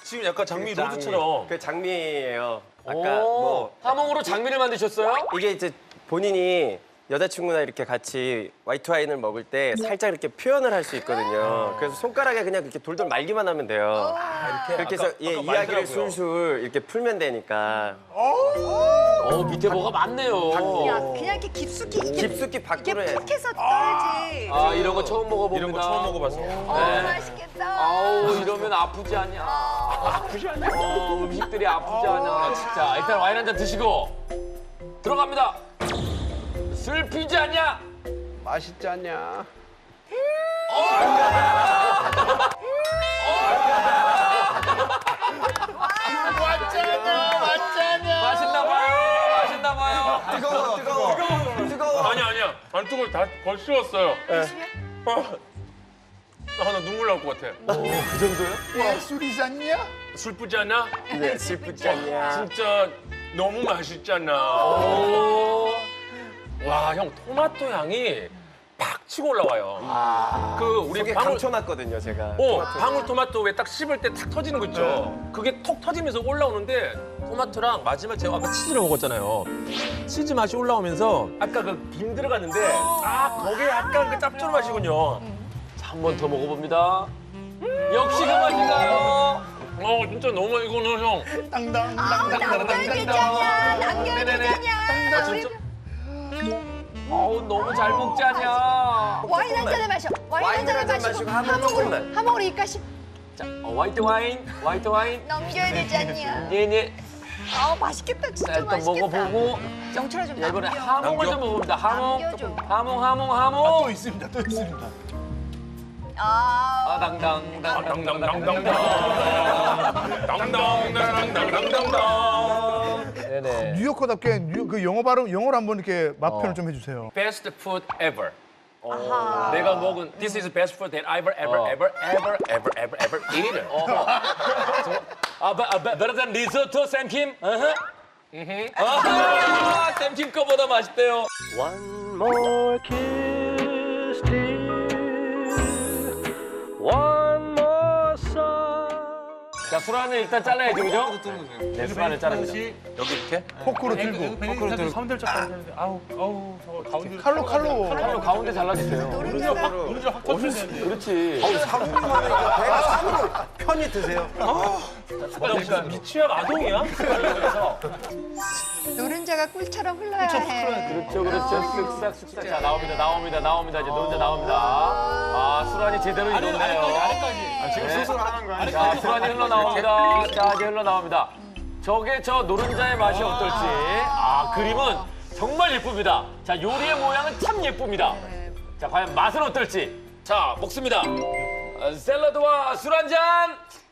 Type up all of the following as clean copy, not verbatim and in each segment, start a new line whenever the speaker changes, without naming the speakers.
지금 약간 장미 로드처럼.
그 장미예요. 아까
오,
뭐
하몽으로 장미를 만드셨어요?
이게 이제 본인이 여자친구나 이렇게 같이 화이트 와인을 먹을 때 살짝 이렇게 표현을 할 수 있거든요. 그래서 손가락에 그냥 이렇게 돌돌 말기만 하면 돼요. 그렇게 해서 예,
아까
이야기를
말더라고요.
술술 이렇게 풀면 되니까
밑에 뭐가 많네요.
야, 그냥 이렇게 깊숙이
깊숙이 밖으로 해.
푹 해서 떨지.
아, 이런 거 처음 먹어봅니다.
이런 거 처음 먹어봐서.
맛있겠다.
아우, 이러면 아프지 않냐. 아프지 않냐. 음식들이 아프지 않냐. 진짜. 일단 와인 한 잔 드시고 들어갑니다. 슬피지 않냐?
맛있지 않냐?
맛있나 봐요. 맛있나 봐요.
뜨거워.
아니야. 안 뜨거워. 다 벌써 식었어요. 나 눈물 나올 것 같아.
왜 술이 쌌냐?
슬프지 않아?
네, 슬프지 않냐.
진짜 너무 맛있잖아. 와, 형 토마토 향이 팍 치고 올라와요. 그 우리
속에 감춰놨거든요, 제가.
방울토마토 왜 딱 씹을 때 탁 터지는 거 있죠? 그게 톡 터지면서 올라오는데 토마토랑 마지막 제가 아까 치즈를 먹었잖아요. 치즈 맛이 올라오면서 아까 그 김 들어갔는데 거기에 약간 그 짭조름 맛이군요.
한 번 더 먹어봅니다. 역시 그 맛인가요?
진짜 너무 이거는 형.
남겨주잖냐. 남겨주잖냐.
진짜?
어우, 너무 잘 먹지 않냐.
와인 한 잔에 마셔.
와인 한 잔 마시고 하몽 조금만.
하몽으로 입가심
자, 화이트 와인, 화이트 와인.
넘겨야 되지 않냐.
네네.
맛있겠다. 진짜
자, 일단
맛있겠다.
먹어보고.
영철아 좀
자, 이번에
남겨.
하몽을 좀 먹어봅니다. 하몽.
남겨줘.
하몽.
또 있습니다. 또 있습니다.
당당.
당당당당당당당당당당.
네네.
뉴요커답게 그 영어 발음 영어로 한번 이렇게 맛 표현 좀 해주세요.
Best food ever.
아하.
내가 먹은 This is the best food that I've ever eaten.
better than risotto, 샘킴? 샘킴 거보다 맛있대요.
One more kiss, dear. One more sigh.
자, 술안을 일단 잘라야죠, 그죠? 네, 술안을 자릅니다.
여기 이렇게?
포크로 들고
포크로 들고 선들짝 하는데 아우 저거 가운데
칼로
칼로 가운데 잘라주세요.
노른자가
그렇지.
배가 산으로 편히 드세요.
나 무슨 미취학 아동이야?
노른자가 꿀처럼 흘러야 해.
그렇죠. 쓱싹. 자, 나옵니다. 이제 노른자 나옵니다. 술안이 제대로 익었네요.
지금 수술하는 거 아니야?
자, 술안이 흘러나옵니다. 자, 이제 흘러나옵니다. 저게 저 노른자의 맛이 어떨지. 그림은 정말 예쁩니다. 자, 요리의 모양은 참 예쁩니다. 자, 과연 맛은 어떨지. 자, 먹습니다. 샐러드와 술 한 잔.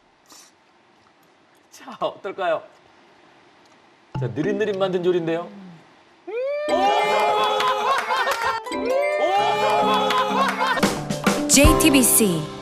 자, 어떨까요? 자, 느릿느릿 만든 요리인데요.
JTBC